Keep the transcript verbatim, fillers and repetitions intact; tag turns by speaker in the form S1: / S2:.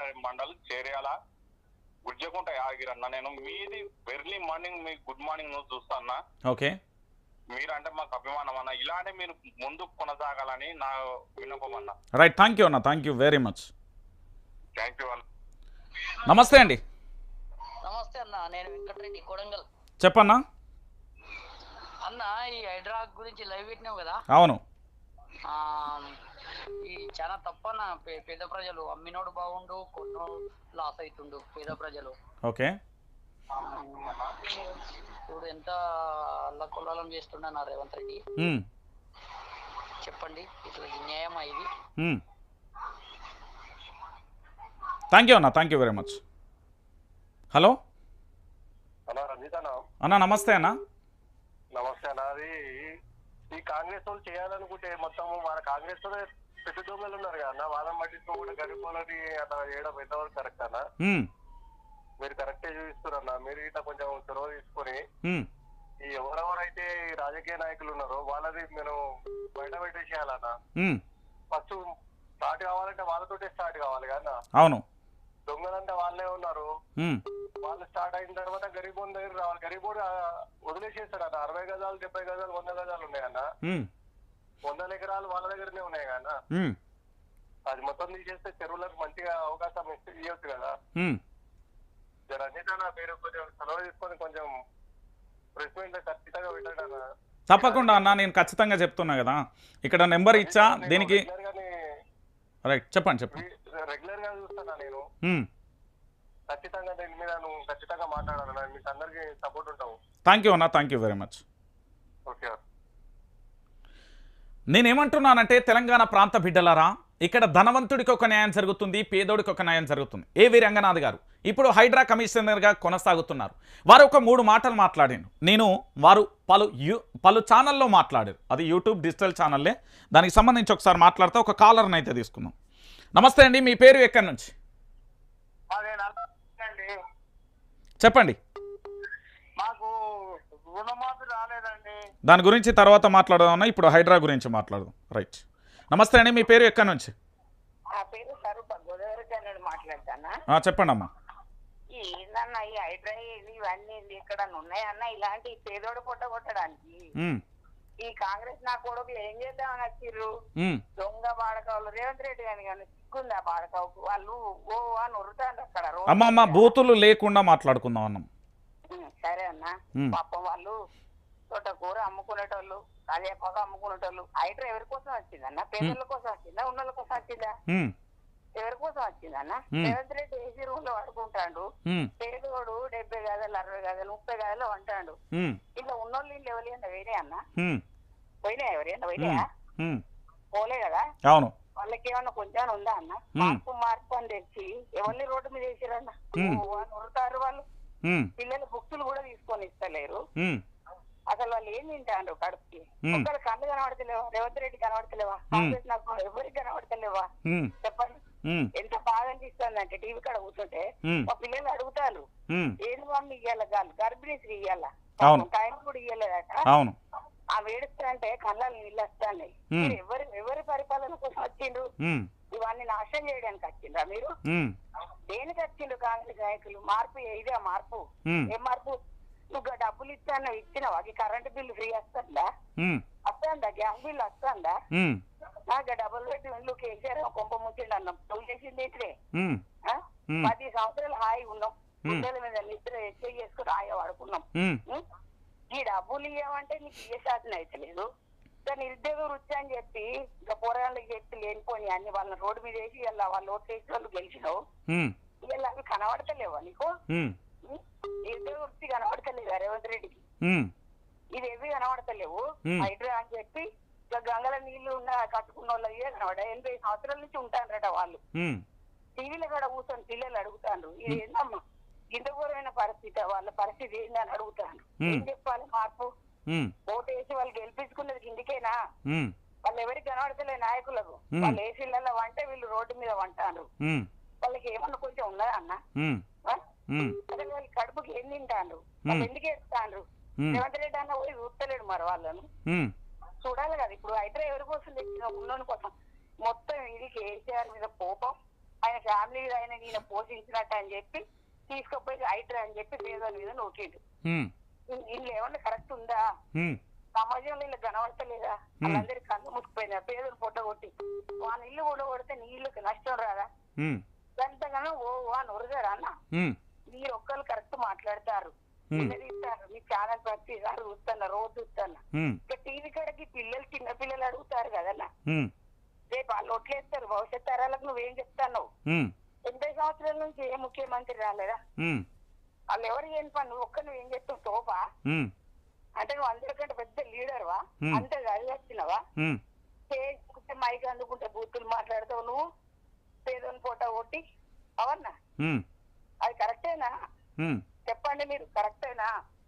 S1: మండల్ చేర్యాల గుజ్జకుంట యాదగిరి అన్న. నేను మీది ఎర్లీ మార్నింగ్ మీ గుడ్ మార్నింగ్ నువ్వు చూస్తా అన్న.
S2: ఓకే,
S1: మీరంటే మాకు అభిమానం అన్న. ఇలానే మీరు ముందుకు కొనసాగాలని నా విన్నపం అన్న.
S2: రైట్, థ్యాంక్ యూ అన్న, thank you very much.
S1: Thank you అన్న.
S2: నమస్తే అండి.
S3: నమస్తే అన్న, నేను వెంకటరెడ్డి కొడంగల్.
S2: చెప్పన్నా
S3: అన్న. ఈ హైడ్రా గురించి లైవ్ పెట్టినావు కదా.
S2: అవును.
S3: ఈ చాలా తప్పన్న. పేద ప్రజలు అమ్మినోడు బాగుండు, కొన్నోడు లాస్ అవుతుండు పేద ప్రజలు.
S2: ఓకే,
S3: ఇప్పుడు ఎంత అల్లకొల్లం చేస్తున్నా రేవంత్ రెడ్డి. చెప్పండి, ఇట్లా న్యాయమా ఇది?
S2: థ్యాంక్ యూ అన్న, thank you very much. Hello అన్న, నమస్తే అన్న.
S4: నమస్తే అన్న. అది ఈ కాంగ్రెస్ వాళ్ళు చేయాలనుకుంటే మొత్తం మన కాంగ్రెస్ లో పెద్ద దొంగలు ఉన్నారు కదా, వాళ్ళని పట్టించుకో కూడా గరీబులని అట్లా చేయడం ఎంతవరకు కరెక్ట్ అన్న? మీరు కరెక్టే చూపిస్తారన్న. మీరు ఇట్లా కొంచెం చొరవ తీసుకొని ఈ ఎవరెవరైతే రాజకీయ నాయకులు ఉన్నారో వాళ్ళది నేను బయట పెట్టేసేయాలన్న. ఫస్ట్ స్టార్ట్ కావాలంటే వాళ్ళతోటే స్టార్ట్ కావాలి కదా.
S2: అవును,
S4: దొంగలంటే వాళ్ళే ఉన్నారు. వాళ్ళు స్టార్ట్ అయిన తర్వాత గరీబోన్ దగ్గర రావాలి. గరీబోడు వదిలేసేస్తాడు అన్న. అరవై గజాలు, డెబ్బై గజాలు, వంద గజాలు ఉన్నాయన్న. వందల ఎకరాలు వాళ్ళ దగ్గరనే ఉన్నాయి కదా. అది మొత్తం తీసేస్తే చెరువులకు మంచిగా అవకాశం ఇవ్వచ్చు కదా. రజిత మీరు కొంచెం సెలవు తీసుకొని కొంచెం ప్రెస్ మీట్ ఖచ్చితంగా పెట్టండి అన్న.
S2: తప్పకుండా అన్న, నేను ఖచ్చితంగా చెప్తున్నా కదా. ఇక్కడ నెంబర్ ఇచ్చా దీనికి. రైట్, చెప్పండి చెప్పండి.
S4: రెగ్యులర్ గా చూస్తున్నా నేను. ఖచ్చితంగా దీని మీద నువ్వు ఖచ్చితంగా మాట్లాడాలన్నా. మీకు అందరికి సపోర్ట్ ఉంటావు.
S2: థ్యాంక్ యూ అన్న, thank you very much.
S4: Okay,
S2: నేనేమంటున్నానంటే తెలంగాణ ప్రాంత బిడ్డలారా, ఇక్కడ ధనవంతుడికి ఒక న్యాయం జరుగుతుంది, పేదోడికి ఒక న్యాయం జరుగుతుంది. ఏవి రంగనాథ్ గారు ఇప్పుడు హైడ్రా కమిషనర్గా కొనసాగుతున్నారు. వారు ఒక మూడు మాటలు మాట్లాడాను నేను. వారు పలు యూ పలు ఛానల్లో మాట్లాడారు. అది యూట్యూబ్ డిజిటల్ ఛానల్లే. దానికి సంబంధించి ఒకసారి మాట్లాడితే ఒక కాలర్ని అయితే తీసుకుందాం. నమస్తే అండి, మీ పేరు ఎక్కడి నుంచి చెప్పండి.
S4: మాకు రుణమాఫీ రాలేదండి.
S2: దాని గురించి తర్వాత మాట్లాడదామన్నా, ఇప్పుడు హైడ్రా గురించి మాట్లాడదాం. రైట్, నమస్తే అండి, మీ పేరు ఎక్కడి నుంచి? చెప్పండి అమ్మా.
S5: ఏందన్న ఈ హైడ్రా ఇవన్నీ ఇక్కడ ఉన్నాయన్న, ఇలాంటి పేదోడు పొట్ట కొట్టడానికి ఈ కాంగ్రెస్ నా కొడుకులు ఏం చేద్దామని వచ్చిర్రు. దొంగ బాడకావులు రేవంత్ రెడ్డి గాని కానీ సిగ్గుంది ఆ బాడకావుకు. వాళ్ళు ఓ అని ఉరుతాండ్రు అక్కడ.
S2: అమ్మ అమ్మ బూతులు లేకుండా మాట్లాడుకుందాం అన్నాం.
S5: సరే అన్న. పాపం వాళ్ళు తోటకూర అమ్ముకునేటోళ్ళు, కరివేపాకు అమ్ముకునేటోళ్ళు. హైడ్రా ఎవరి కోసం వచ్చిందన్న? పేదల కోసం వచ్చిందా, ఉన్నోళ్ళ కోసం వచ్చిందా? ఎవరి కోసం వచ్చిందన్న? రేవంత్ రెడ్డి ఏసీ రూమ్ లో పడుకుంటాడు. పేదోడు డెబ్బై గజాలు, అరవై గజాలు, ముప్పై గజాలు అంటాడు. ఇట్లా ఉన్నోళ్ళు ఇల్లు ఎవరైనా వేరే అన్న? పోయినాయా? ఎవరైనా పోయినాయా? పోలే కదా.
S2: అవును,
S5: వాళ్ళకి ఏమన్నా కొంచెం ఉందా అన్న? మార్పు మార్పు అని తెచ్చి ఎవరిని రోడ్డు మీద వేసిరన్న? ఉరుతారు వాళ్ళు. పిల్లలు బుక్సులు కూడా తీసుకొని ఇస్తలేరు. అసలు వాళ్ళు ఏం తింటారు కడుపుకి? ఒక్కరు కళ్ళు కనబడతలేవా? రేవంత్ రెడ్డి కనబడతలేవా? కాంగ్రెస్ నాకు ఎవరికి కనబడతలేవా? చెప్పండి. ఎంత బాగా అనిపిస్తుంది అంటే టీవీ కాడ కూర్చుంటే మా పిల్లలు అడుగుతారు, ఏది మమ్మీ ఇయ్యాల గాలు గర్భిణీ స్త్రీ ఇయ్యాల టైం కూడా ఇయ్యలేదట. ఆ వేడుస్తారంటే కళ్ళని నీళ్ళు వస్తాయి. మీరు ఎవరి ఎవరి పరిపాలన కోసం వచ్చిండ్రు? ఇవన్నీ నాశనం చేయడానికి వచ్చిండ్రా మీరు? దేనికి వచ్చిండ్రు కాంగ్రెస్ నాయకులు? మార్పు ఇదే మార్పు. ఏం మార్పు? నువ్వు డబ్బులు ఇస్తాను ఇచ్చినావా? కరెంటు బిల్లు ఫ్రీ వస్తుందా? వస్తుందా? గ్యాస్ బిల్లు వస్తుందా? నాకు డబ్బులు పెట్టి ఇల్లు కేసీఆర్ కొంప ముచ్చిండు అన్నాం. నువ్వు చేసింది ఏంటిదే? పది సంవత్సరాలు హాయి ఉన్నాం. పిల్లల మీద నిద్ర ఎక్కువ చేసుకుని హాయి వాడుకున్నాం. ఈ డబ్బులు ఇవ్వమంటే నీకు ఏ శాతం అయితే లేదు. నిరుద్యోగ వృత్తి అని చెప్పి ఇంకా పోరాళ్ళకి చెప్పి లేనిపోయి అన్ని వాళ్ళని రోడ్డు మీద వేసి ఇలా వాళ్ళు ఓట్లు వేసి వాళ్ళు గెలిచినావు. ఇలా అవి కనబడతలేవా నీకు? నిరుద్యోగ వృత్తి కనబడతలేదా రేవంత్ రెడ్డికి? ఇది ఏవి కనబడతలేవు. హైడ్రా అని చెప్పి ఇక గంగల నీళ్లు ఉన్న కట్టుకున్న వాళ్ళు అయ్యే కనబడ. ఎనభై సంవత్సరాల నుంచి ఉంటారట వాళ్ళు. టీవీలో కూడా కూర్చొని పిల్లలు అడుగుతాండ్రు, ఇది ఏందమ్మా ఇంత ఘోరమైన పరిస్థితి, వాళ్ళ పరిస్థితి ఏందని అడుగుతాను. ఏం చెప్పాలి? మార్పు ఓటు వేసి వాళ్ళు గెలిపించుకున్నది ఇందుకేనా? వాళ్ళు ఎవరికి కనబడతలే నాయకులకు. వాళ్ళు ఏసీలలో వంటే వీళ్ళు రోడ్డు మీద వంటారు. వాళ్ళకి ఏమన్నా కొంచెం ఉన్నదా అన్న? అసలు వాళ్ళ కడుపుకి ఏం తింటాండ్రు? వాళ్ళు ఎందుకు ఏడుస్తాండ్రు? రేవంత్ రెడ్డి అన్న పోయి చూస్తలేడు మరి వాళ్ళను. చూడాలి కదా. ఇప్పుడు హైడ్రా ఎవరి కోసం తెచ్చిన? ఉన్నోని కోసం. మొత్తం ఇది కేసీఆర్ మీద కోపం, ఆయన ఫ్యామిలీ ఆయన ఈయన పోషించినట్టు అని చెప్పి తీసుకుపోయి హైడ్రా అని చెప్పి పేదల మీద నోకిండు. వీళ్ళు ఏమన్నా కరెక్ట్ ఉందా? సమాజంలో ఇలా కనబడతలేదా? వాళ్ళందరికీ కళ్ళు ముట్టుకుపోయినా పేదలు పొట్ట కొట్టి వాళ్ళ ఇల్లు కూడా కొడితే నీళ్ళకి నష్టం రాదా? ఎంతగానో ఓ అని ఉరగారా అన్న? మీరు ఒక్కరు కరెక్ట్ మాట్లాడతారు, నిలదీస్తారు. మీ ఛానల్ ప్రతిసారి చూస్తున్నా, రోజు చూస్తున్నా. ఇక టీవీ కాడకి పిల్లలు చిన్న పిల్లలు అడుగుతారు కదన్నా, రేపు వాళ్ళు ఒట్లేస్తారు భవిష్యత్ తరాలకు నువ్వేం చెప్తావు? ఎనభై సంవత్సరాల నుంచి ఏ ముఖ్యమంత్రి రాలేదా? వాళ్ళు ఎవరు ఏం పని, నువ్వు ఒక్క నువ్వు ఏం చెప్తావు తోపా? అంటే నువ్వు అందరికంటే పెద్ద లీడర్వా? అంతే చదివచ్చినవా? చేసుకుంటే మైక్ అందుకుంటే బూతులు మాట్లాడతావు నువ్వు, పేదోని ఫోటో కొట్టి. అవన్నా అది కరెక్టేనా? చెప్పండి మీరు, కరెక్టేనా?